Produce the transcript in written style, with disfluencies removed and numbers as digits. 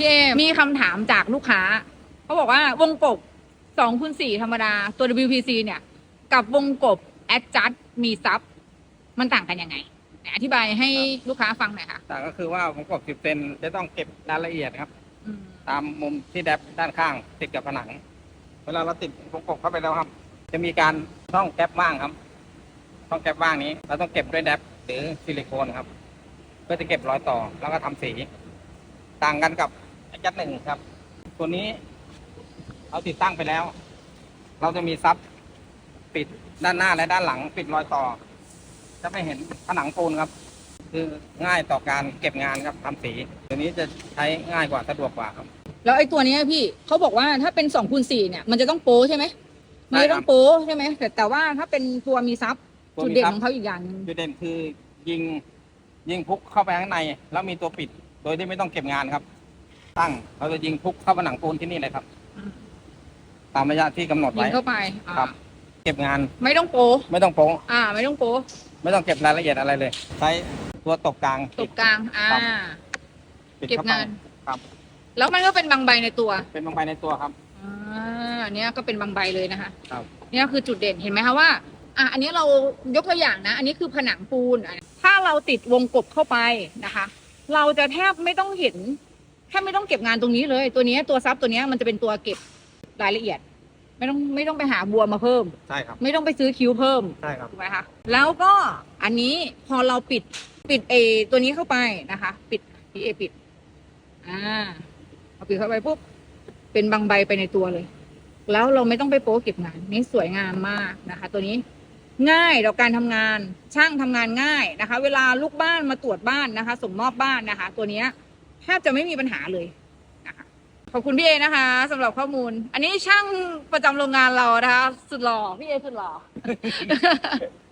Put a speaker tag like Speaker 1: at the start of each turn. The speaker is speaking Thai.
Speaker 1: พี่เอมีคำถามจากลูกค้าเขาบอกว่าวงกบ2x4ธรรมดาตัว WPC เนี่ยกับวงกบ Adjust มีซับมันต่างกันยังไงอธิบายให้ลูกค้าฟังหน่อยค่ะ
Speaker 2: ต่างก็คือว่าผมกบ10 เซนจะต้องเก็บรายละเอียดครับ
Speaker 1: อืม
Speaker 2: ตามมุมที่แดบด้านข้างติดกับผนัง เวลาเราติดวงกบเข้าไปแล้วครับ จะมีการช่องแก๊ปว่างครับช่องแก๊ปว่างนี้เราต้องเก็บด้วยแดบหรือซิลิโคนครับ เพื่อจะเก็บรอยต่อแล้วก็ทำสี ต่างกันกับAdjust 1ครับตัวนี้เราติดตั้งไปแล้ว เราจะมีซับปิดด้านหน้าและด้านหลังปิดรอยต่อ จะไม่เห็นผนังปูนครับ คือง่ายต่อการเก็บงานครับทำสีตัวนี้จะใช้ง่ายกว่าสะดวกกว่าครับ
Speaker 1: แล้วไอ้ตัวเนี้ยพี่เขาบอกว่าถ้าเป็น2x4เนี่ยมันจะต้องโป้ใช่ไหมมันจะต้องโป้ใช่ไหมแต่ว่าถ้าเป็นตัวมีซับจุดเด่นของเขาอีกอย่างหนึง
Speaker 2: จุดเด่นคือยิงพุกเข้าไปข้างในแล้วมีตัวปิด โดยที่ไม่ต้องเก็บงานครับ ตั้งเราจะยิงพุกเข้าผนังปูนที่นี่เลยครับ ตามระยะที่กำหนด
Speaker 1: ยิ
Speaker 2: ไว้
Speaker 1: งเข้าไป
Speaker 2: ครับ เก็บงาน
Speaker 1: ไม่ต้องโป้
Speaker 2: ไม่ต้องโป๊ะ
Speaker 1: ไม่ต้องโป้
Speaker 2: ไม่ต้องเก็บรายละเอียดอะไรเลย ใช้ตัวตบกลาง
Speaker 1: ตบกลาง
Speaker 2: ครับ ปิด
Speaker 1: เก็บ
Speaker 2: เข้าไป
Speaker 1: งาน
Speaker 2: ครับ
Speaker 1: แล้วมันก็เป็นบางใบในตัว
Speaker 2: เป็นบางใบในตัวครับ
Speaker 1: อันเนี้ยก็เป็นบางใบเลยนะคะ
Speaker 2: ครับ
Speaker 1: เนี่ยคือจุดเด่นเห็นไหมคะว่าอันนี้เรายกตัวอย่างนะ อันนี้คือผนังปูนถ้าเราติดวงกบเข้าไปนะคะ เราจะแทบไม่ต้องเห็นแทบไม่ต้องเก็บงานตรงนี้เลย ตัวนี้ตัวซับตัวนี้มันจะเป็นตัวเก็บรายละเอียด ไม่ต้องไปหาบัวมาเพิ่ม
Speaker 2: ใช่ครับ
Speaker 1: ไม่ต้องไปซื้อคิ้วเพิ่ม
Speaker 2: ใช่ครับ
Speaker 1: ถูกไหมคะแล้วก็อันนี้พอเราปิดตัวนี้เข้าไปนะคะ ปิดพี่เอปิดเอาปิดเข้าไปปุ๊บเป็นบางใบไปในตัวเลย แล้วเราไม่ต้องไปโป๊เก็บงานนี่สวยงามมากนะคะ ตัวนี้ง่ายต่อการทำงานช่างทำงานง่ายนะคะ เวลาลูกบ้านมาตรวจบ้านนะคะส่งมอบบ้านนะคะ ตัวนี้แทบจะไม่มีปัญหาเลยนะคะขอบคุณพี่เอนะคะสำหรับข้อมูล อันนี้ช่างประจำโรงงานเรานะคะสุดหล่อพี่เอสุดหล่อ